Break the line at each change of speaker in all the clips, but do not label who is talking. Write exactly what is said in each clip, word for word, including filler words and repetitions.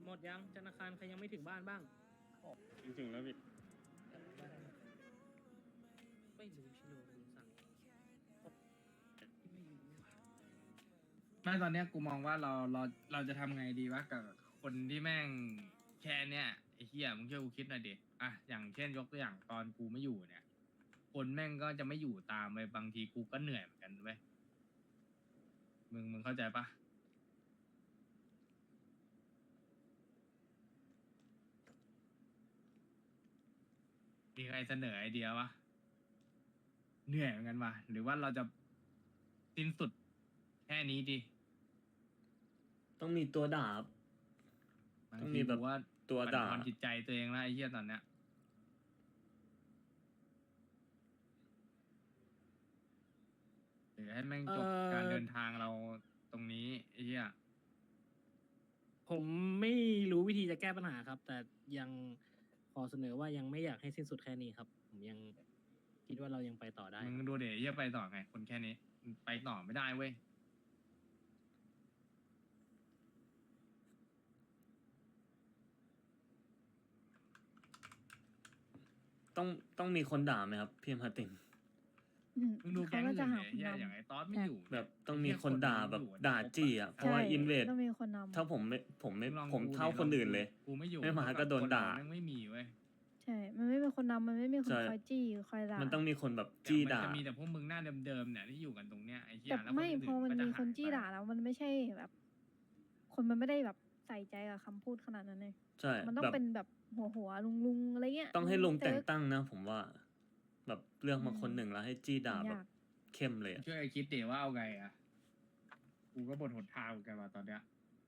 มดยังธนาคารใครยังไม่ถึงบ้านบ้าง
ถึงแล้วพี่
ไม่รู้ชิโร่ลุงสั่งไม่รู้
ไม่ตอนเนี้ยกูมองว่าเราเราเราจะทำไงดีวะกับคนที่แม่งแค่เนี้ยไอ้เหี้ยมึงช่วยกูคิดหน่อยดิอ่ะอย่างเช่นยกตัวอย่างตอนกูไม่อยู่เนี่ย คนแม่งก็จะไม่อยู่ตามไปบางทีกูก็เหนื่อยเหมือนกันเว้ยมึงมึงเข้าใจปะมีใครเสนอไอเดียวะเหนื่อยเหมือนกันวะหรือว่าเราจะสิ้นสุดแค่นี้ดี
ต้องมีตัวดาบ
บาง
ต้อง
ที
มีแบบ
กูว่า
ตัวด่า
บั่นทอนจิตใจตัวเองแล้วไอ้เหี้ยตอนเนี้ยหรือให้แม่งจบการเดินทางเราตรงนี้ไอ้เหี้ย
ผมไม่รู้วิธีจะแก้ปัญหาครับ แต่ยังขอเสนอว่ายังไม่อยากให้สิ้นสุดแค่นี้ครับ ผมยังคิดว่าเรายังไปต่อได้
มึง
ครับ
ดูเดี๋ยวไอ้เหี้ยไปต่อไง คนแค่นี้มันไปต่อไม่ได้เว้ย
ต้องต้องมีคนด่าไหมครับพี่มาร์ติน
อืม
มึงดูแก๊ง
เขาก็
อื่น
จะหา
เนี่ย
คน
ไอ้เหี้ย
นำ
อย่างไอ้ตอสไม่อยู่
แบบ
เย
ต้องมีคนด่าแบบ
ไอ้เหี้ย
ด่าจี้อ่ะเพราะว่า
ใช่
อินเวด
ต้องมีคนนำ
ถ้าผมไม่ผมไม่ผมไม่
งลอง
ผม
ดู
เท่า
ดิ
คนอื่นเลย
กูไม่อยู่
ไม่มาก็โดนด่า
แม่งไม่มีเว้ย
ใช่ มันไม่มีคนนำมันไม่มีคน
ใช่
คอยจี้คอยด่า
มันต้องมีคนแบบ
แต่
จี้
มัน
ด่า
จะมีแต่พวกมึงหน้าเดิมๆเนี่ยที่อยู่กันตรงเนี้ยไอ้เหี้ย
แต่
แล้ว
ไม่
ค
พอมัน
ก็จะ
มีคน
หย
จี้
ไป
ด่าแล้วมันไม่ใช่แบบ คนมันไม่ได้แบบใส่ใจกับคำพูดขนาดนั้นเลย
ใช่
มันต้อ
แบ
ง
บ
เป็นแบบหัวหัวลุงลุงๆอะไรเงี้ย
ต้องให้ลงแต่ง
เซิร์ฟ
ตั้งนะ ผมว่า แบบเรื่องมาคน
อืม
หนึ่งแล้วให้จี้ด่าแบบ
ยาก
เข้มเลยอะ
ช่วยคิดเดี๋ยวว่าเอาไงอ่ะ กูก็บนหนทางเหมือนกันว่ะตอนเนี้ย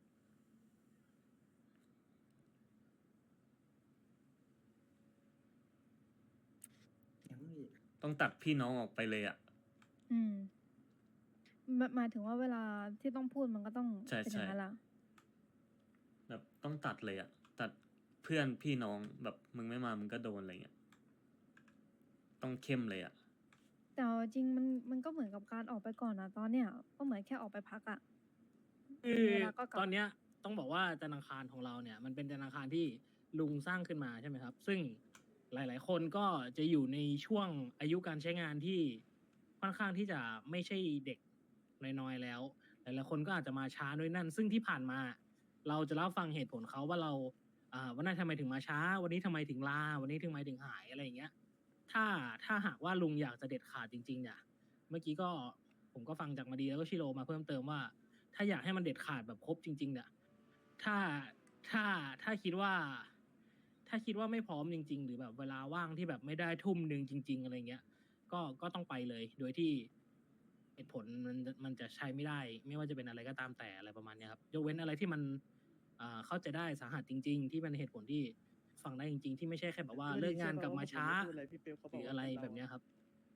ต้องตัดพี่น้องออกไปเลยอ่ะ
อืมหมายหมายถึงว่าเวลาที่ต้องพูดมันก็ต้อง
ใช่
เป็นอย่างนั้น
ใช่
ละ
แบบต้องตัดเลยอ่ะ ตัดเพื่อนพี่น้องแบบมึงไม่มามึงก็โดนอะไรเงี้ย ต้องเข้มเลยอ่ะ
แต่เอาจริงมันมันก็เหมือนกับการออกไปก่อนนะตอนเนี้ยก็เหมือนแค่ออกไปพักอะ
คือ
เวลาก็กลับ
ตอนเนี้ยต้องบอกว่าธนาคารของเราเนี่ย มันเป็นธนาคารที่ลุงสร้างขึ้นมาใช่ไหมครับ ซึ่งหลาย ๆ คนก็จะอยู่ในช่วงอายุการใช้งานที่ค่อนข้างที่จะไม่ใช่เด็กน้อยๆแล้ว หลาย ๆ คนก็อาจจะมาช้าด้วยนั่น ซึ่งที่ผ่านมา เราจะรับฟังเหตุผลเขาว่าเราอ่าวันนั้นทำไมถึงมาช้า วันนี้ทำไมถึงลาวันนี้ทำไมถึงหายอะไรอย่างเงี้ย ถ้าถ้าหากว่าลุงอยากจะเด็ดขาดจริง ๆ เนี่ย เมื่อกี้ก็ผมก็ฟังจากมาดีแล้วก็ชิโรมาเพิ่มเติมว่า ถ้าอยากให้มันเด็ดขาดแบบครบจริง ๆ เนี่ย ถ้าถ้าถ้าคิดว่า ถ้าคิดว่าไม่พร้อมจริง ๆ หรือแบบเวลาว่างที่แบบไม่ได้ทุ่มหนึ่งจริง ๆ อะไรเงี้ย ก็ก็ต้องไปเลย โดยที่เหตุผลมันมันจะใช้ไม่ได้ ไม่ว่าจะเป็นอะไรก็ตามแต่อะไรประมาณเนี้ยครับ ยกเว้นอะไรที่มันอ่าเข้าใจได้สาหัสจริง ๆ ที่เป็นเหตุผลที่ฟังได้จริง ๆ ที่ไม่ใช่แค่แบบว่าเลิกงานกลับมาช้า หรืออะไรแบบเนี้ยครับ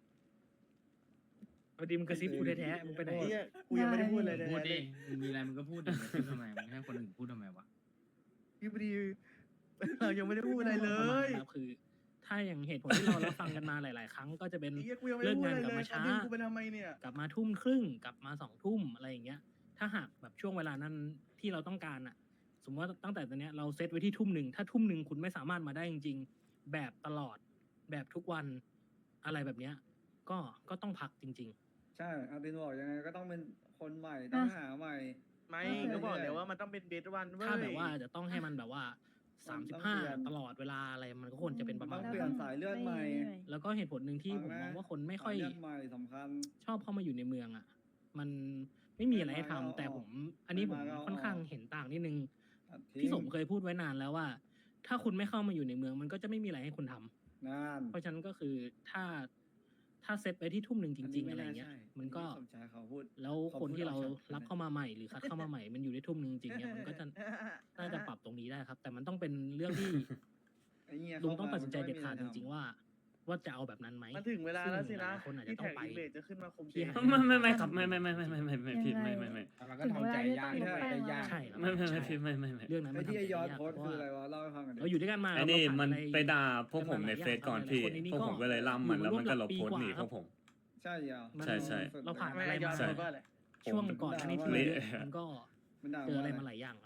พอดีมึงกระซิบกูแท้ๆมึงไปไหน
ไอ้เหี้ยกูยังไม่ได้พูดอะไรเลย
พูดดิมึงมีอะไรมึงก็พูดดิมึงพูดทำไมมึงให้คนอื่นพูดทำไมวะ
พี่พอดี เรายังไม่ได้พูดอะไรเล
ประมาณ
ย
นั้นครับคือ ถ้าอย่างเหตุผลที่เรารับฟังกันมาหลาย ๆ ครั้งก็จะเป็น
ไอ้เหี้ยกูยังไม่ได้พูดอะไร
เลิกงานกลั
เล
บ
ย
มาช้า
ตอนนี้กูไปทำไมเนี่ย
กลับมาทุ่มครึ่งกลับมาสองทุ่มอะไรอย่างเงี้ย ถ้าหากแบบช่วงเวลานั้นที่เราต้องการอะสมมติว่าตั้งแต่ตอนเนี้ยเราเซตไว้ที่ทุ่มหนึ่งถ้าทุ่มหนึ่งคุณไม่สามารถมาได้จริง ๆ แบบตลอดแบบทุกวันอะไรแบบเนี้ย ก็ก็ต้องพักจริง
ใช่อาตินบอกยังไงก็ต้องเป็นคนใหม่ต้องหาใหม่
ไม่
เออ
ก็บอกแล้วว่ามันต้องเป็นเบสวันเว้
ๆ
ย
ถ้าแบบว่าจะต้องให้มันแบบว่าสามสิบห้า
เปลี่ยน
ตลอดเวลาอะไรมันก็ควรจะเป็นประมา
ต้
ณ
อง
นั้
เปลี่ยนสายเลือดใหม่
แล้วก็เหตุผลหนึ่งที่ผมมองว่าคนไม่ค่อย
สาเลือดใหม่สำคัญ
ชอบเข้ามาอยู่ในเมืองอ่ะ มันไม่มีอะไรให้ทำ
ไม่มาก็
แต่
เอา
ผม อันนี้ผม
ไม่มาก็เอา
ค่อนข้างเห็นต่างนิดนึง
ตัดทิ้ง
พี่สมเคยพูดไว้นานแล้วว่า ถ้าคุณไม่เข้ามาอยู่ในเมือง มันก็จะไม่มีอะไรให้คุณทำ
นาน
เพราะฉะนั้นก็คือถ้าถ้าเซตไปที่ทุ่มหนึ่งจริง ๆ อะไรเงี้ย มันก็
สมชายเขาพูด
แล้ว
เขา
คนที่เรา
พูดเอาชัด
รับเข้ามาใหม่หรือคัดเข้ามาใหม่ มันอยู่ได้ทุ่มหนึ่งจริงๆเนี่ยมันก็จะน่าจะปรับตรงนี้ได้ครับ แต่มันต้องเป็นเรื่องที่
ไอ้เหี้ย
ลุง
เข้า
ต้อง
มา
ตัดสินใจเด็ดขาด
มัน
จ
ก็ไม่มี
ริง ๆ ว่า ว่าจะเอาแบบนั้นไหม
มันถึงเวลาแล้วสินะ
ซึ่งหลายๆคนอาจจะ
ที่
ต้อ
แท็
ง
ก
ไป
อิงเลดจะขึ้นมาคุม
ที่
เกม
หา
ไม่ไม่ไม่ครับไม่ไม่ไม่ไม่ไม่ไม่ไม่พี่ไม่ไม่ไม่
มันก็ทำใจยาก
ถึงเวลาที่ต้องลงแป้ง
ยาก
ใช่ครับ
ไม่ไม่ไม่
ใช่
พี่ไม่ไม่ไม่
เรื่องนั้น
ไอ้
มัน
ที่
ทำ
ไอ้
ใจ
ยอด
ยาก
โพสต์
เพราะ
คืออะไร
ว่า
วะเล่าให้ฟังหน่อยดิ
เราอยู่ด้วยกันมา
ไอ้นี่
เราผ่า
มัน
อะไร
ไปด่าพวกผมในเฟซก่อนพี่
หลายๆอย่าง
พวกผมก็เลยล่ำมันแล้วมันก็ลบโพสต์หนีพวกผม
ใช่เหรอ
มัน
ใช่ใช่
เราผ่าน
ไม่
อะไร
ยอ
มา
ม
ใช่
ว่าอะไร
ช่วงก่อนอันนี้ที่
เละ
เยอะมันก็
มันด่า
เจออะไร
ว่
มาหลายอย่างครับ
มัน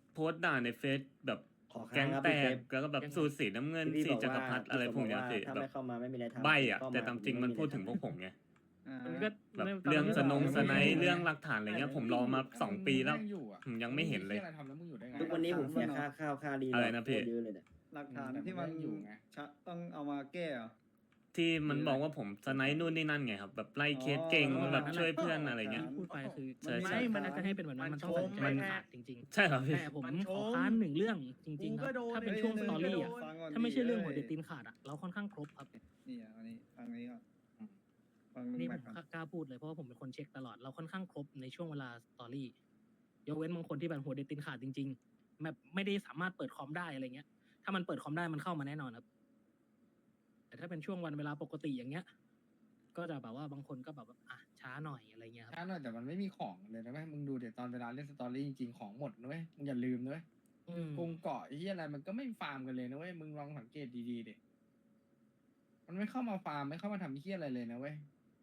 โพสต์ด่าในเฟซแบบ
ขอ
แก๊
ค้าง
ง
ครับ
แต
พี่เฟ
ก
ฟ
แล้วก็แบบ
ยังไง
สูตรสีน้ำเงิน
ที่
สี
พี่บอก
จักร
ว่า
พรรดิอะไรพวกเนี้ย
ที่
พี่
ถ้า
แบ
ไม่
บ
เข้ามาไม่มีอะไรทำ
ใบอ่ะ
เข้
แต่ตามจริงมันพูดถึงพวกผมไง
อ่า
มันก็
แบบ
ไม่
เรื่อง
ต
ส
อน
น
นี้
ง
ก็
สไนด์เรื่องหลักฐานอะไรเงี้ยผมรอมาสองปีแล้ว
มึงอยู่อะ
ผมยังไม่เห็นเลย
งอะไรทำแล้วมึงอยู่ได้ไง
ทุกวันนี้ผมเสียค่าข้าวค่าดี
อะไรนะพี่
โคตเยอะเลยเนี่ย
หลักฐาน
แต่มัน
ที่มัน
ยังอยู่ไง
ชะต้องเอามาแก้เหรอ
ที่มันบอกว่าผมสไนด์นู่นนี่นั่นไงครับแบบไล่เคสเก่ง
อ๋อ
แบบช่วยเพื่อนอะไรเงี้ย
ที่พูดไปคือ
ใช่ใช่
ไม่มันน่าจะให้เป็นแบบนั้นมันต้องสัญญา
มั
ณ
น
ขาดจริง
ใช่ครับ
ๆ
พี่
แต่ผม
มันช
ของ ค้านหนึ่งเรื่องจริง ๆ ค
กูก็
รับ
โดน
ถ้าเป็นช่วงสตอรี่อ่ะ
ฟังก่อน
ถ้าไม่ใช่เรื่องหัว
ดิ
เด็ดตีนขาดอ่ะเราค่อนข้างครบครับ
นี่อ่ะอันนี้ฟังนี้ก่อนฟังลุง
นี่
แม็
ผ
ก
ม
ก่อน
กล้าพูดเลยเพราะว่าผมเป็นคนเช็คตลอดเราค่อนข้างครบในช่วงเวลาสตอรี่ยกเว้นบางคนที่แบบหัวเด็ดตีนขาดจริงๆแบบไม่ได้สามารถเปิดคอมได้อะไรเงี้ย ถ้ามันเปิดคอมได้มันเข้ามาแน่นอนครับ แต่ถ้าเป็นช่วงวันเวลาปกติอย่างเงี้ย ก็จะแบบว่าบางคนก็แบบว่าอ่ะช้าหน่อยอะไรเงี้ยครับ
ช้าหน่อยแต่มันไม่มีของเลยนะเว้ยมึงดูเดี๋ยวตอนเวลาเล่นสตอรี่จริงๆของหมดนะเว้ยมึงอย่าลืมนะเว้ย
อืม
กรุงเกาะไอ้ที่อะไรมันก็ไม่ฟาร์มกันเลยนะเว้ยมึงลองสังเกตดีๆดิมันไม่เข้ามาฟาร์มไม่เข้ามาทำเฮี้ยอะไรเลยนะเว้ย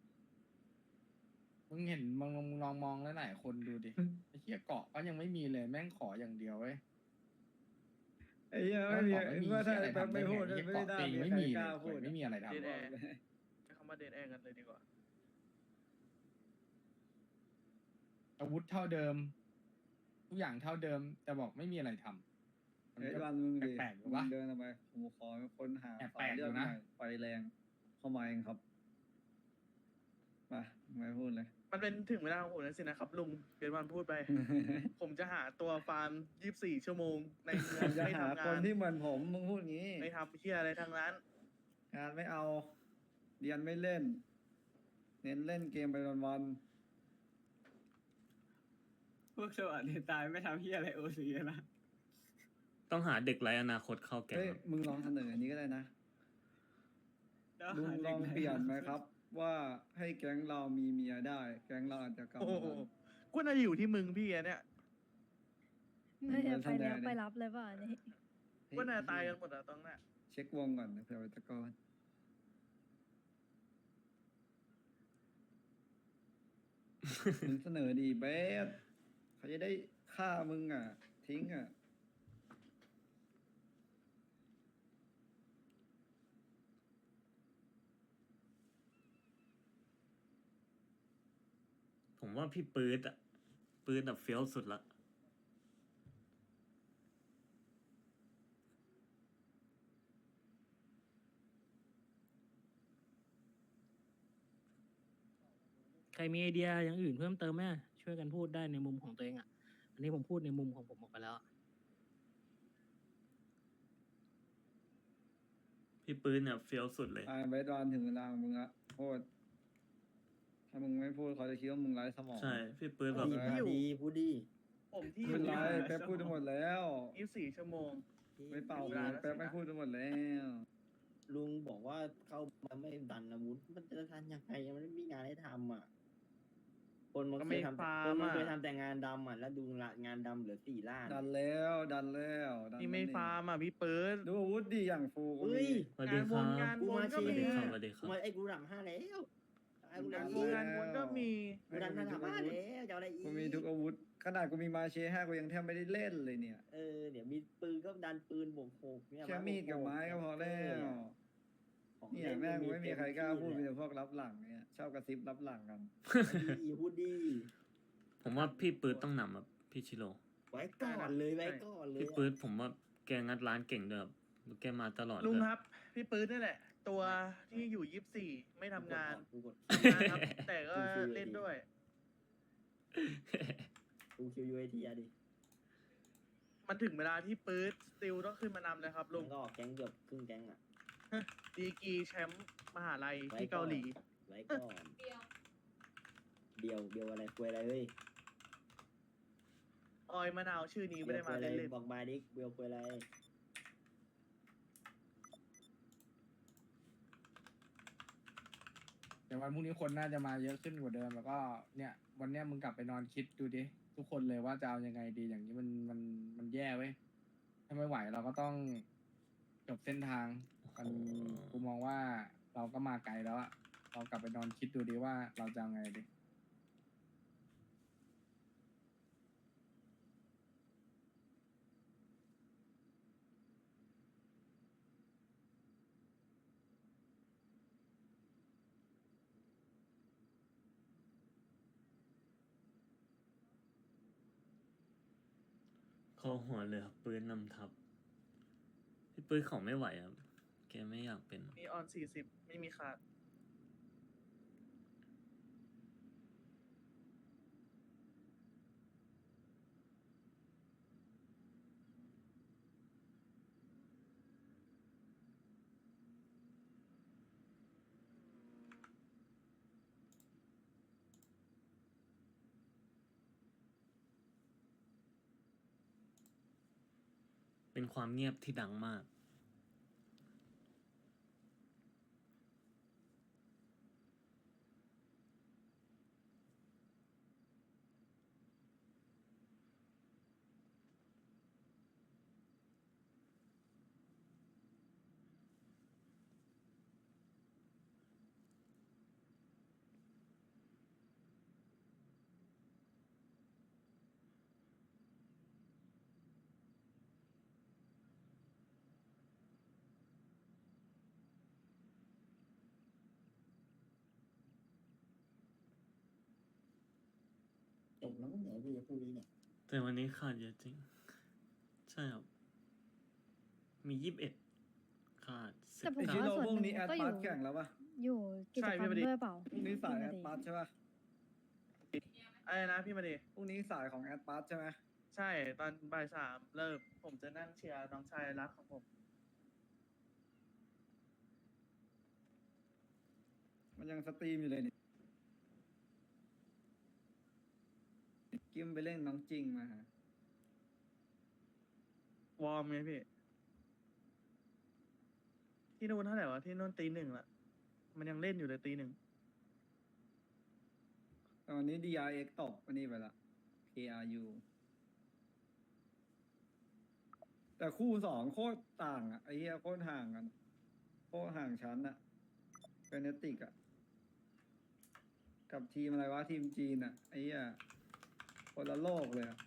มึงเห็นมึงลองมึงลองมองหลายๆคนดูดิไอ้เฮี้ยเกาะก็ยังไม่มีเลยแม่งขออย่างเดียวเว้ย
ไอ้เหี้ยไม่มี
เกาะไม่มี
ว่าถ้า
เหี้ยอะไร
แป๊บ
ทำ
ไม่
ได้ไง
พูด
ไอ้เหี้ย
ไม่
เกาะ
ได้
ตี
มี
ไม่
ใคร
มี
ก
เล
ล้าย พูด
ไม่มีอะไร
เดด
ทำ
แอร์ใช้คำว่าเดดแอร์กันเลยดีกว่า
อาวุธเท่าเดิม ทุกอย่างเท่าเดิม แต่บอกไม่มีอะไรทำมัน
ไอ้
ก็
วันมึงดิ
แปลกๆอยู่
มึ
วะ
งเดินออกไปผมขอค้นหา
แปลกๆ
สายเลือด
อยู่
หน่
นะ
อยไฟแรงเข้ามาเองครับมาไม่พูดเลย
มันเป็นถึงเวลาของผมแล้วสินะครับลุงเกิดวันพูดไป ผมจะหาตัวฟาร์มยี่สิบสี่ชั่วโมงในเมือง
จะ
ไม่
หา
ทำ
ค
งาน น
ที่เหมือนผมมึงพูดงี้
ไม่ทำเพี้ยอะไรทั้งนั้น
งานไม่เอา เรียนไม่เล่น เน้นเล่นเกมไปวัน
พวกสวัสดิตายไม่ทำเฮียอะไรโอซีนะ
ต้องหาเด็กไร้อนาคตเข้า
ๆ
แก๊ง
เฮ้ย
ครับ
มึงลองเสนออันนี้ก็ได้นะ
แล้ว
ลุง
หา
ล
ด็ก
อง
ไห
เปลี่ยนไหมครับ ว่าให้แก๊งเรามีเมียได้ แก๊งเราอาจจะกลับ
โอ้
มา
โห
กัน
ก็น่าจะอยู่ที่มึงพี่อะเนี่ย
ไม่ได้ไป
ทำไง
แล้ว
ดิ
ไปรับเลยเปล่าอันนี่
ก็น่าจะตายกันหมดอะตรงนั้น
เช็ควงก่อนนะเผื่อไปตะกอนมึงเสนอดีเบสเขาจะได้ฆ่ามึงอ่ะ ทิ้งอ่ะ
ผมว่าพี่ปื๊ดอะปื๊ดแบบเฟี้ยวสุดละ
ใครมีไอเดียอย่างอื่นเพิ่มเติมไหมช่วยกันพูดได้ในมุมของตัวเองอ่ะ อันนี้ผมพูดในมุมของผมออกไปแล้ว
พี่ปื๊ดเนี่ยเฟี้ยวสุดเลย
อ่าเบสวันถึงเวลาของมึงละพูดถ้ามึงไม่พูดเขาจะคิดว่ามึงไร้สมอง
ใช่พี่ปื๊ดแบบ
ดี
เออ
ดีพูดดี
ผมที่อ
ไม่
ยู่
เป็นไรแป๊บพูดไปหมดแล้ว
ยี่สิบสี่ชั่วโมง
ไม่เป่า
เว
เล
ลาย แล้ว
แป๊บ
สินะ
ไม่พูดไปหมดแล้ว
ลุงบอกว่าเข้ามาไม่ดันอาวุธมันจะทันยังไงมันไม่มีงานให้ทำอ่ะ คนมัน
ก็
เค
ไม่
ยทำ
ฟาร์
ค
ม
นมัน
อะ
เคยทำแต่งานดำอ่ะแล้วดูละงานดำเหลือสี่ล้าน
ดันแล้วดันแล้วดัน
นี่ไม่
แล้ว
ฟาร์มอ่ะพี่เปิด
ดูอาวุธดีอย่างฟูก็
เฮ้
มี
ย
สวัสดีครับ
งาน
กู
วน
มา
ก็
เชี
มี
ยร์
สวัสดีค
กู
รับ
มาไอ้กูดับห้าแล้วไอ้กูดั
งา
บ
น
อี
ว
ก
นงานวนก็มี
กูดับห้าดับห้าแล้วจะเอาอะไรอีก
กูมีทุกอาวุธ ขนาดกูมีมาเชห้ากูยังแทบไม่ได้เล่นเลยเนี่ย
เออเดี๋ยวมีปืนก็ดันปืนบวกหกเนี่ย
แค่มีดกับไม้ก็พอแล้ว
ของ
เนี่ย
ล่
แม่งไม่มีใครกล้าพูดมี
เต็
แต่พวกรับหลังเนี่ยชอบกระซิบรับหลังกัน
ที่ดีพูดดี
ผมว่าพี่ปื๊ดต้องนำแบบพี่ชิโร่
ไว้ก่อนเลยไว้ก่อนเลย
พี่ปื๊ดผมว่าแกงัดร้านเก่งด้วยแบบแกมาตลอด
ลุง
เลย
ครับ พี่ปื๊ดนี่แหละ ตัวที่อยู่ยี่สิบสี่ไม่ทำงาน
กูกด
ทำงานครับ แต่ก็เล่นด้วย
กูคิวยูไอทีอะดิ
มันถึงเวลาที่ปื๊ดสติลต้องขึ้นมานำเลยครับลุ
ลุ
ง
งก็ออกแก๊งเกือบครึ่งแก๊งอ่ะ
ดีกรีแชมป์มหาลัย
ไว้
ที่เกาหลี
ไว้ก่อนเดียวเดียวอะไรคุยอะไรเฮ้ย
ออยมะนาวชื่อนี้ไม่ได้มา
เดียวคุยอะไร
เล่น
บอกมาดิเดียวคุยอะไร
เดี๋ยววันพรุ่งนี้คนน่าจะมาเยอะขึ้นกว่าเดิมแล้วก็เนี่ย วันเนี้ยมึงกลับไปนอนคิดดูดิทุกคนเลยว่าจะเอายังไงดีอย่างนี้มันมันมันแย่เว้ยถ้าไม่ไหวเราก็ต้องจบเส้นทางมันกูมองว่าเราก็มาไกลแล้วอะเรากลับไปนอนคิดดูดิว่าเราจะเอาไงดี
อหัวเรือปืนนำทัพพี่ปืนเขาไม่ไหวครับแกไม่อยากเป็น
มีออนสี่สิบไม่มีขาด
เป็นความเงียบที่ดังมาก
จบแล้วก็เหนือพี่พวกนี้เนี่ย
แต่วันนี้ขาดเยอะจริง ใช่ครับ มียี่สิบเอ็ดขาดสิ
แต่
บ
ผม
ไอชิ
ว่า
โร่
ส่วน
พวก
หนึ่
นี้
ง
แอด
ก็อ
พา
ยู่
ร์ตแข่งแล้วปะ
อยู่กิจกรรม
ใช่พี่ประดิษฐ์
ด้วยเปล่า
พรุ่งนี้สายแอด
พี่
พาร์ตใช่ปะ
อะไรนะพี่มาดี
พรุ่งนี้สายของแอดพาร์ตใช่ไหม
ใช่ตอนบ่ายสามเริ่ม ผมจะนั่งเชียร์น้องชายรักของผม
มันยังสตรีมอยู่เลยนี่กิมไปเล่นน้องจริงมาฮะ
วอร์มไงพี่ ที่นู่นเท่าไหร่วะที่นู่นตีหนึ่งละมันยังเล่นอยู่เลยตีหนึ่ง
ตอนนี้ ดี อาร์ เอ็กซ์ ตกวันนี้ไปละ เค อาร์ ยู แต่คู่สองโคตรต่างอ่ะไอ้เหี้ยโคตรห่างกันโคตรห่างชั้นอ่ะเฟเนติกอ่ะ กับทีมอะไรวะ ทีมจีนอ่ะไอ้เหี้ยคนละโลกเลยอ่ะ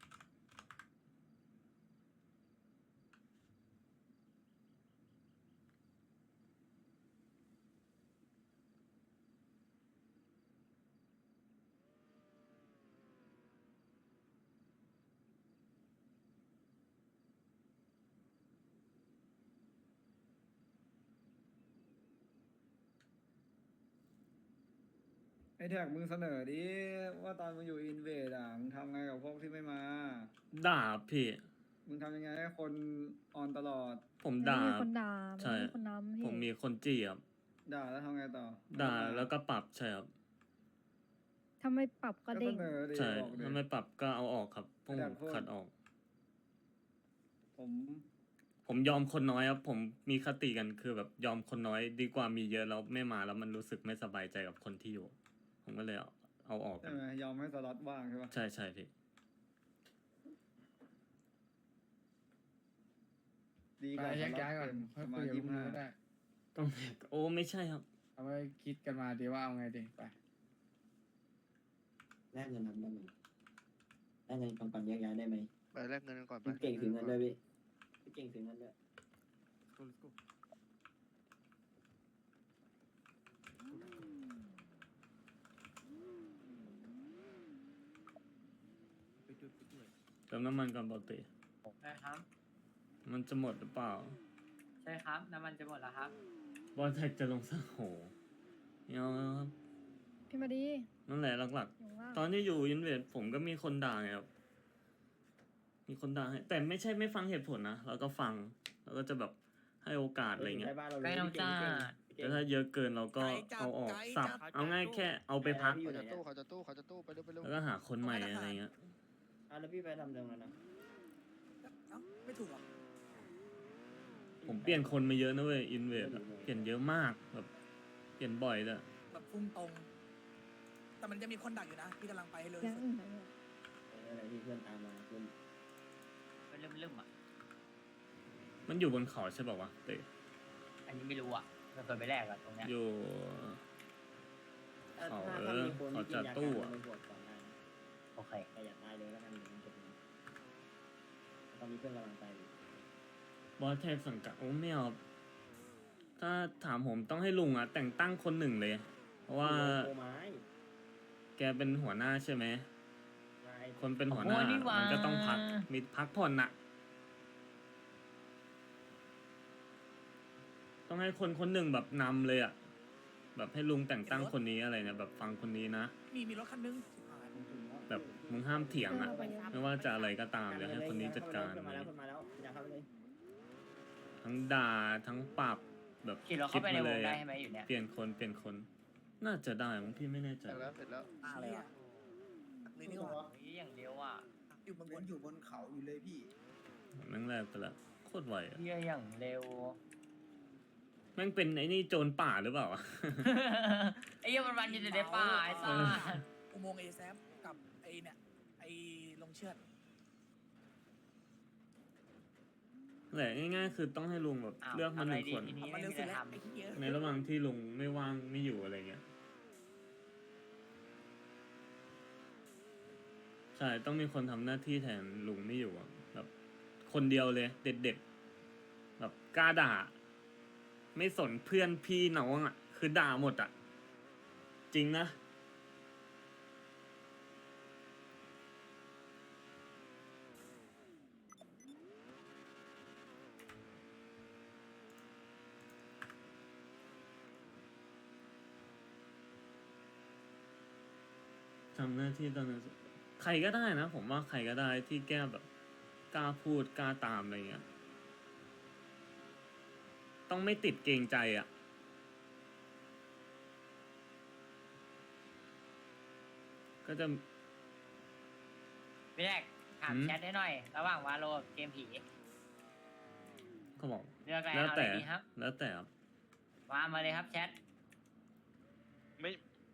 ไอแท็กมึงเสนอดิว่าตอนมึงอยู่อินเวดอ่ะมึงทำไงกับพวกที่ไม่มา
ด่าพี่
มึงทำยังไงให้คนออนตลอด
ผม
มัน
ด่า
ไม่มีคนด่ามัน
ใช่
ไม่มีคนน้ำพี่
ผมมีคนจี้ครับ
ด่าแล้วทำไงต่อ
ด่าแล้วก็ปรับใช่ครับ
ถ้าไม่ปรับก็
ก็
เด้
เส
ง
นอดิ
ใช่
บอกดิ
ถ้าไม่ปรับก็เอาออกครับพวก
แต่
ผม
พวก
ขัดออก
ผม
ผมยอมคนน้อยครับ ผมมีคติกันคือแบบยอมคนน้อยดีกว่ามีเยอะแล้วไม่มาแล้วมันรู้สึกไม่สบายใจกับคนที่อยู่ ผมก็เลยเอาเอาออกกั
ใช่
น
ไหมยอมให้สล็อตว่างใช่ปะ
ใช่ใช่พี่
ดีกว่า
ไป
ส
แยก
ล็อต
ย้ายก่อน
เต็ม
ค่อย
ประ
คุ
มาย ณ
กับ
ยี่
พว
สิ
ก
บ
มึง
ห้า
ก็ได้
ต้องโอ้ไม่ใช่ครับ
เอาไว้คิดกันมาดีว่าเอาไงดีไป
แลกเงินทำได้ไหมแลกเงินก่อนก่อนแยกย้ายได้ไหม
ไปแลกเงินกันก่อนไป
พี่เก่งถึงเงินด้วยพี่พี่เก่งถึงเงินด้วย
เติมน้ำมันก่อนปกติ
ใช่ครับ
มันจะหมดหรือเปล่า
ใช่ครับ น้ำมันจะหมดแล้วครับ
บอลแท็กจะลงสักโหไม่เอาแล้วครับ
พี่มาดี
นั่นแหละหลัก
อย่างว่า
ๆ ตอนที่อยู่อินเวดผมก็มีคนด่าไงครับ มีคนด่าให้แต่ไม่ใช่ไม่ฟังเหตุผลนะ เราก็ฟัง แล้วก็จะแบบให้โอกาสอะไรเงี้ย
ใกล้บ้านเราเลย
ใกล้น้อง
พี่เก่ง
จ้า
พี่เก่ง
แต่ถ้าเยอะเกินเราก็เอาออกสับ เอาง่ายแค่เอาไปพัก
พี่อยู่
เขา
ไหน
จะ
เนี่ย
ตู้เขาจะตู้เขาจะตู้ไปเร็วไปเร็ว
แล้วก็หาคนใหม่อะไรเงี้ย
อ่ะแล้วพี่ไปทำเรื่องนั้นนะ
ไม่ถูกหรอก
ผมเปลี่ยนคนมาเยอะนะเว้ยอินเวดเปลี่ยนเยอะมากแบบเปลี่ยนบ่อยเลย
แบบพุ่งตรง แต่มันจะมีคนดักอยู่นะ พี่กำลังไปให้เลย
แก๊งอื่นนะเนี่ย
เอออะไรที่เพื่อนตามมาเพื่อน
มันเริ่มเริ่มอ่ะ
มันอยู่บนเขาใช่ป่าววะเตะ
อันนี้ไม่รู้อ่ะเราเคยไปแลกอ่ะตรงเนี้ย
อยู่
ถ้า
เขา
ถ้า
เอ
ถ้า
อ
มีคน
เขา
ที่กิ
จะ
นยา
ตู้
กัน
อะ
ไปบวชก่อนหน้านะ
โอเค
แต่อย่าตายเลยแล้วกันเดี๋ยวมันจะเป็นตอนนี้เพื่อนกำลังตายอยู่
บอสแท็กสังกัดโอ้ไม่เอาถ้าถามผมต้องให้ลุงอ่ะ แต่งตั้งคนหนึ่งเลย เพราะว่า
โกไม้
แกเป็นหัวหน้าใช่ไหม
นาย
คนเป็นหัวหน้า
โอ้นี่หว่ามั
มันก็ต้องพักมีพักผ่อนน่ะ ต้องให้คนคนหนึ่งแบบนำเลยอ่ะ แบบให้ลุงแต่งตั้งคนนี้อะไรเนี่ยแบบฟังคนนี้นะ
มีมีรถคันนึง
แบบมึงห้ามเถียงอ่ะ ไม่ว่าจะอะไรก็ตามเดี๋ยวให้คนนี้จัดการ
ขึ้นมา
เล
แล้ว
ย
ขึ้นมาแล้วอย่าเข้าไปเลย
ทั้งด่าทั้งปรับแบบ
ขี่รถ
คิ
เข้า
ด
ไปใน
มาว เล
ง
ย
ได้
อะ
ใช่ไหมอยู่เนี่ย
เปลี่ยนคนเปลี่ยนคน น่าจะได้มั้งพี่ไม่แน่ใจ
เสร็จแล้วเสร็จแล้ว
อะไรวะเลยนี่หว่า
โอ้ยอย่างเดียวอ่ะ
อยู่บนบนอยู่บนเขาอยู่เลยพี่
แม่งแรกไปละโคตรไวอะ
เฮียอย่างเร็ว
แม่งเป็นไอ้นี่โจรป่าหรือเปล่า
ไอ้เหี้ยมันวันอยู่ในป่าไอ้สัส
อุโมงค์เอแซฟกับไอเนี่ยไอลงเชือด
แหละง่ายๆคือต้องให้ลุงแบบ
อ้าว
เลือกมาหนึ่ง
ทำอะไรดี
คน
ทีนี้
มัน
ไม่
เร็ว
มี
สุ
อะ
ด
ไร
แล้ว
ท
ไอ้ที่เยอะ
ในระหว่างที่ลุงไม่ว่างไม่อยู่อะไรเงี้ย ใช่ต้องมีคนทำหน้าที่แทนลุงไม่อยู่อะแบบคนเดียวเลย เด็ดๆแบบกล้าด่า ไม่สนเพื่อนพี่น้องอ่ะ คือด่าหมดอ่ะ จริงนะทำหน้าที่ตอนนั้นใครก็ได้นะ ผมว่าใครก็ได้ที่แก้แบบกล้าพูดกล้าตามอะไรเงี้ย ต้องไม่ติดเกรงใจอ่ะ ก็จะ
ำพี่แรกถาม
หืม
แชทให้หน่อย ระหว่างวาโลกับเกมผี
เขาบอก
เลือกอะไร
แล้ว
เอาอะ
แต่
ไรดีครับ
แล้วแต่ครับ
วางมาเลยครับแชท
ไม่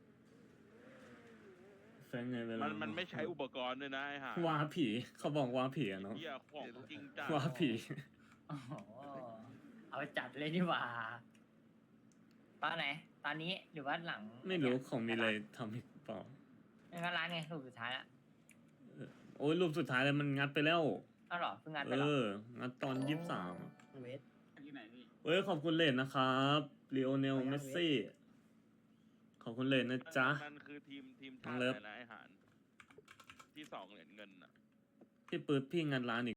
แฟนไงเวลา
มันมันไม่ใช้อุปกรณ์ด้วยนะไอ้ห่า
ว่าผีเขาบอกว่าผีอะเนาะ
เหี้ยของจริงจัง
ว่าผี
โอ้โหเอาจัดเลยนี่หว่า ตอนไหน ตอนนี้หรือว่าหลัง
ไม่รู้ของมีอะไรทำอีกเปล่า
ไม่ก็ร้านไงรูปสุดท้ายละ
เออโอ้ยรูปสุดท้ายเลยมันงัดไปแล้ว
เอาเหรอเพิ่งงานไป
เอ
เหรอ
อ งัดตอนยี่สิบสาม
เวท
ที่ไหนพี่
เอ้ยขอบคุณเลนนะครับลีโอเนล
ไปยัง
เมสซี่ ขอบคุณเลนนะจ๊ะ
มันคือทีมทีม
น้
ชา
อง
ติ
เลิฟ
อะไรนะไอ้ห่านที่สองเหรียญเงินอ่ะ
พี่ปื๊ดพี่งัดร้านอีก